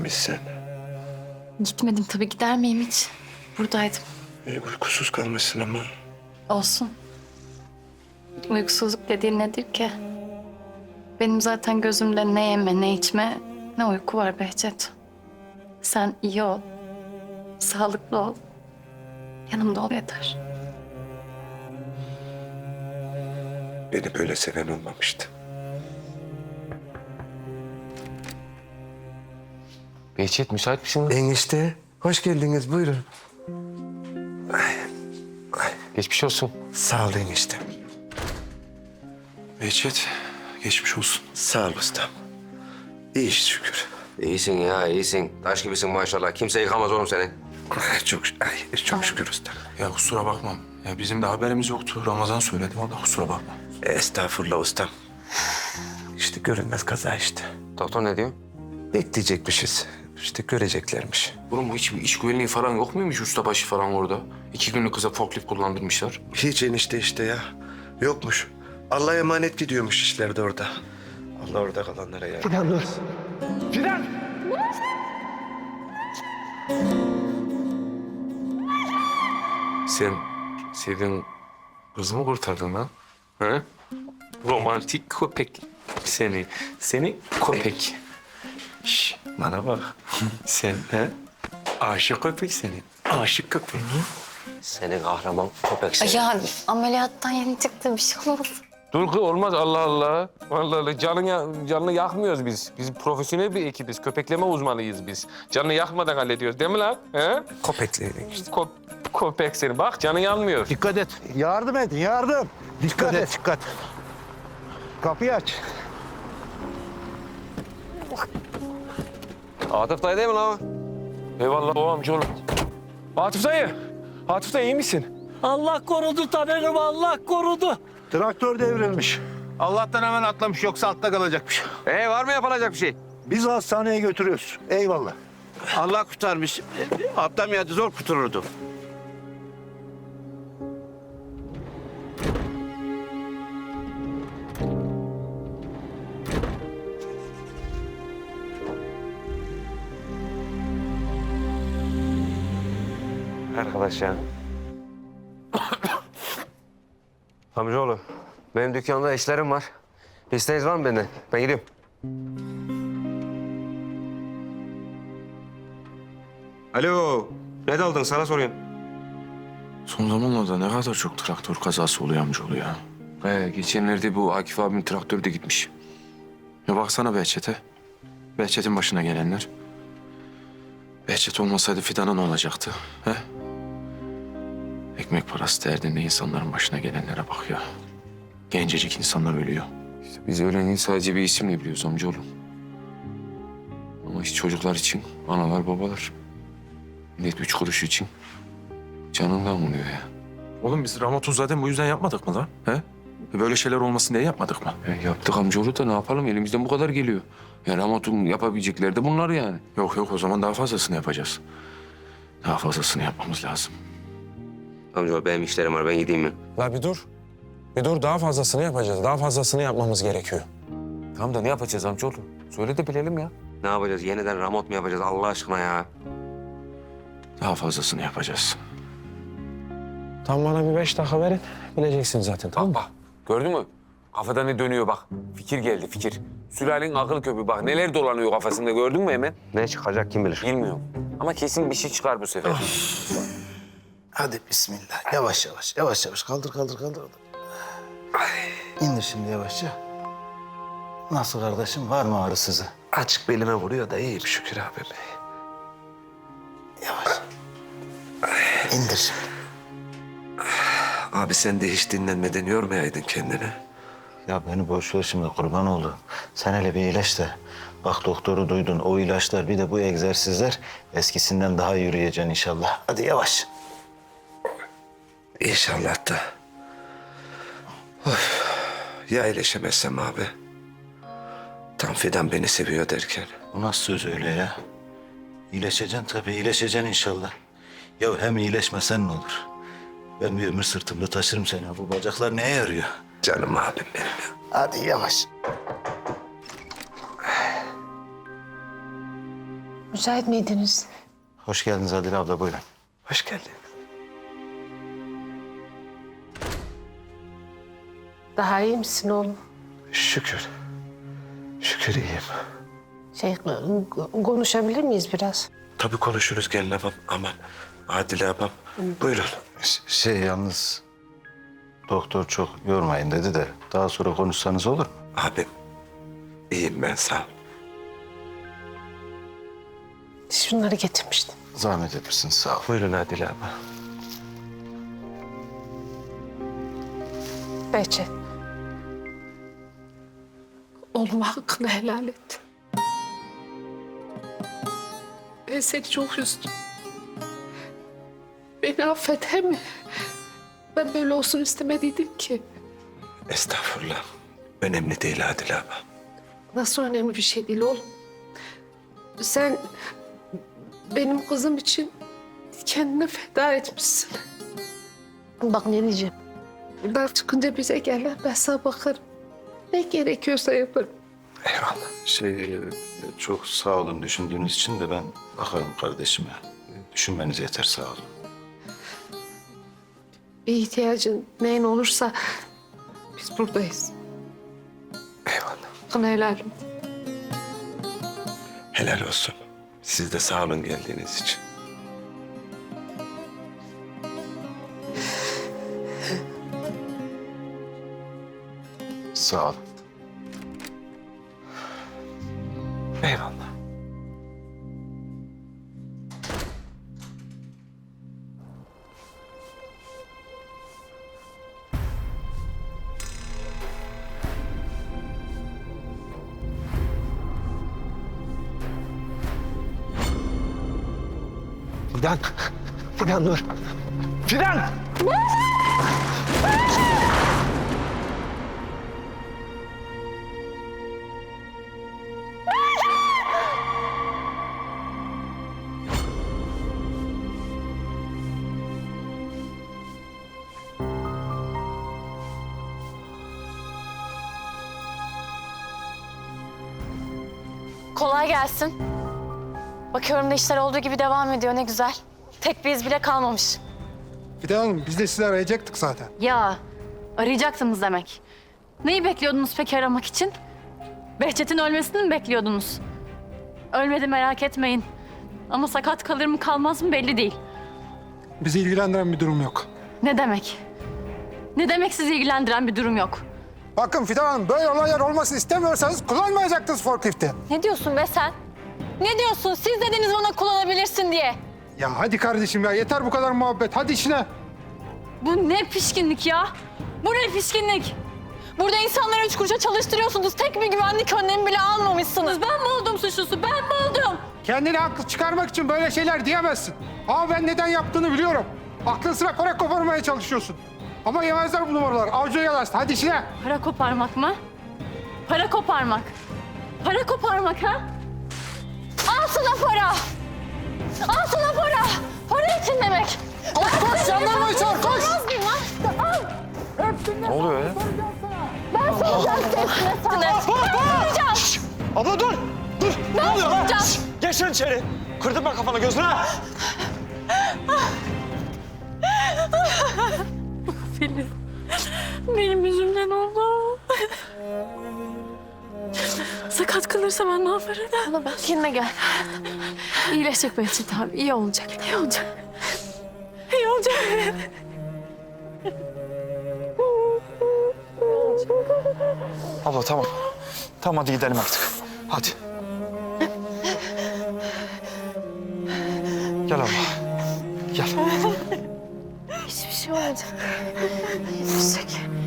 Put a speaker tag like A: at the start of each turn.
A: gitmemişsin.
B: Gitmedim tabii, gider miyim hiç? Buradaydım.
A: Uykusuz kalmışsın ama.
B: Olsun. Uykusuzluk dediğin nedir ki? Benim zaten gözümde ne yeme ne içme ne uyku var Behçet. Sen iyi ol. Sağlıklı ol. Yanımda ol yeter.
A: Beni böyle seven olmamıştı.
C: Behçet müsait misin?
A: Enişte, hoş geldiniz. Buyurun.
C: Geçmiş olsun.
A: Sağ ol enişte.
D: Behçet, geçmiş olsun.
A: Sağ ol ustam. İyi şükür.
C: İyisin ya, iyisin. Taş gibisin maşallah. Kimse yıkamaz oğlum seni.
A: Çok şükür usta.
D: Ya kusura bakmam. Ya bizim de haberimiz yoktu. Ramazan söyledi. Vallahi kusura bakma.
A: Estağfurullah ustam. İşte görünmez kaza işte.
C: Doktor ne diyor?
A: Bekleyecekmişiz. İşte göreceklermiş.
D: Oğlum hiç iş güvenliği falan yok muymuş ustabaşı falan orada? 2 günlük kıza forklift kullandırmışlar.
A: Hiç enişte işte ya. Yokmuş. Allah'a emanet gidiyormuş işler de orada. Allah orada kalanlara yardım.
E: Fidan dur. Fidan!
D: Sen sevdiğin kızı mı kurtardın lan? He? Romantik köpek seni. Seni köpek. Şş, bana bak. Sen he? Aşık köpek seni. Aşık köpek.
C: Seni kahraman köpek seni.
B: Ya ameliyattan yeni çıktı, bir şey olmaz.
C: Dur kız olmaz Allah Allah. Allah Allah. Canını yakmıyoruz biz. Biz profesyonel bir ekibiz. Köpekleme uzmanıyız biz. Canını yakmadan hallediyoruz değil mi lan? He?
A: Köpeklerin işte.
C: Köpek seni. Bak canı yanmıyor.
E: Dikkat et. Yardım edin, yardım. Dikkat et. Dikkat. Kapıyı aç.
C: Atıf dayı değil mi lan?
D: Eyvallah o amcaoğlu. Atıf dayı. Atıf dayı iyi misin?
F: Allah korudu Taner'im, Allah korudu.
E: Traktör devrilmiş. Allah'tan hemen atlamış, yoksa altta kalacakmış.
C: Var mı yapılacak bir şey?
E: Biz hastaneye götürüyoruz. Eyvallah.
F: Allah kurtarmış. Atlamayadı, zor kurtulurdu.
C: Arkadaş ya. Amcaoğlu, benim dükkanda işlerim var. İsteğiniz var mı benden? Ben gidiyorum. Alo, ne daldın? Sana soruyorum.
D: Son zamanlarda ne kadar çok traktör kazası oluyor amcaoğlu ya. Geçenlerde bu Akif abimin traktörü de gitmiş. Ya baksana Behçet'e. Behçet'in başına gelenler. Behçet olmasaydı Fidan'a ne olacaktı? He? Ekmek parası derdinde insanların başına gelenlere bak ya. Gencecik insanlar ölüyor.
C: İşte biz ölenin sadece bir isimle biliyoruz amcaoğlu. Ama işte çocuklar için analar babalar. Millet 3 kuruş için canından oluyor ya.
D: Oğlum biz Ramat'u zaten bu yüzden yapmadık mı lan? He? Böyle şeyler olmasın diye yapmadık mı?
C: Yaptık amcaoğlu da ne yapalım? Elimizden bu kadar geliyor. Yani Ramat'ın yapabilecekleri de bunlar yani.
D: Yok o zaman daha fazlasını yapacağız. Daha fazlasını yapmamız lazım.
C: Amcaoğlu benim işlerim var. Ben gideyim mi?
G: La bir dur. Bir dur, daha fazlasını yapacağız. Daha fazlasını yapmamız gerekiyor.
C: Tamam da ne yapacağız amcaoğlu? Söyle de bilelim ya. Ne yapacağız? Yeniden Ramot mu yapacağız Allah aşkına ya?
D: Daha fazlasını yapacağız.
G: Tam bana bir 5 dakika verin. Bileceksin zaten, tamam mı?
C: Bak gördün mü? Kafada ne dönüyor bak. Fikir geldi fikir. Sülalenin akıl köpüğü bak. Neler dolanıyor kafasında gördün mü hemen? Ne çıkacak kim bilir? Bilmiyorum. Ama kesin bir şey çıkar bu sefer.
E: Hadi bismillah. Yavaş yavaş, yavaş yavaş. Kaldır, kaldır, kaldır. İndir şimdi yavaşça. Nasıl kardeşim? Var mı ağrı sızı?
A: Açık belime vuruyor da iyiyim şükür abi.
E: Yavaş. İndir şimdi.
A: Abi sen de hiç dinlenmeden yormayaydın kendini.
E: Ya beni boş ver şimdi, kurban oldu. Sen hele bir iyileş de. Bak doktoru duydun. O ilaçlar bir de bu egzersizler eskisinden daha yürüyeceksin inşallah. Hadi yavaş.
A: İnşallah da. Of. Ya iyileşemezsem abi? Tam Fidan beni seviyor derken.
E: Bu nasıl söz öyle ya? İyileşeceksin tabii, iyileşeceksin inşallah. Ya hem iyileşmesen ne olur? Ben bir ömür sırtımda taşırım seni. Bu bacaklar neye yarıyor?
A: Canım abim benim ya.
E: Hadi yavaş.
H: Müsait miydiniz?
E: Hoş geldiniz Adile abla, buyurun.
A: Hoş geldin.
H: Daha iyi misin oğlum?
A: Şükür. Şükür iyiyim.
H: Konuşabilir miyiz biraz?
A: Tabii konuşuruz gelin abam. Aman Adile abam. Buyurun.
E: Yalnız doktor çok yormayın dedi de daha sonra konuşsanız olur mu?
A: Abim iyiyim ben sağ ol.
H: Şunları getirmiştim.
E: Zahmet etmişsiniz, sağ ol.
A: Buyurun Adile abla.
H: Behçet. Oğlum hakkını helal et. Ben seni çok üzdüm. Beni affet he mi? Ben böyle olsun istemediydim ki.
A: Estağfurullah. Önemli değil Adile abla.
H: Nasıl önemli bir şey değil oğlum. Sen benim kızım için kendini feda etmişsin. Bak ne diyeceğim. Buradan çıkınca bize gel. Ben sana bakarım. Ne gerekiyorsa yaparım.
A: Eyvallah.
E: Çok sağ olun düşündüğünüz için de ben bakarım kardeşime. Düşünmeniz yeter, sağ olun.
H: Bir ihtiyacın neyin olursa biz buradayız.
A: Eyvallah.
H: Hakkını helal et.
A: Helal olsun. Siz de sağ olun geldiğiniz için.
E: Sağ olun.
A: Eyvallah.
G: Fidan. Fidan dur. Fidan!
B: Kolay gelsin. Bakıyorum da işler olduğu gibi devam ediyor, ne güzel. Tek bir iz bile kalmamış.
I: Fidan Hanım, biz de sizi arayacaktık zaten.
B: Ya, arayacaktınız demek. Neyi bekliyordunuz peki aramak için? Behçet'in ölmesini mi bekliyordunuz? Ölmedi, merak etmeyin. Ama sakat kalır mı kalmaz mı belli değil.
I: Bizi ilgilendiren bir durum yok.
B: Ne demek? Ne demek sizi ilgilendiren bir durum yok?
I: Bakın Fidan Hanım, böyle olaylar olmasını istemiyorsanız kullanmayacaktınız forklifti.
B: Ne diyorsun be sen? Ne diyorsun? Siz dediniz bana kullanabilirsin diye.
I: Ya hadi kardeşim ya, yeter bu kadar muhabbet. Hadi işine.
B: Bu ne pişkinlik ya? Bu ne pişkinlik? Burada insanları 3 kuruşa çalıştırıyorsunuz. Tek bir güvenlik önlemi bile almamışsınız. Ben mi oldum suçlusu? Ben mi oldum?
I: Kendini haklı çıkarmak için böyle şeyler diyemezsin. Ama ben neden yaptığını biliyorum. Aklın sıra para koparmaya çalışıyorsun. Ama yemezler bu numaralar. Avcıya yalaştı. Hadi işine.
B: Para koparmak mı? Para koparmak. Para koparmak ha? Al sana para. Al sana para. Para için demek.
I: Koş koş, jandarmayı çağır, koş.
B: Al.
D: Ne oluyor ya?
B: Ben soracağım sesine sana. Ben soracağım.
G: Abla dur! Dur!
B: Ben soracağım.
G: Geç sen içeri. Kırdırma kafana gözüne.
B: Filiz. Benim yüzümden oldu. Sakat kalırsa ben ne yaparım? Bana bak. Kendine gel. İyileşecek Behçet abi. İyi olacak. İyi olacak. İyi olacak.
G: Abla tamam. Tamam hadi gidelim artık. Hadi. Gel abla. Gel.
B: Hiçbir şey olmayacak. İyileşecek.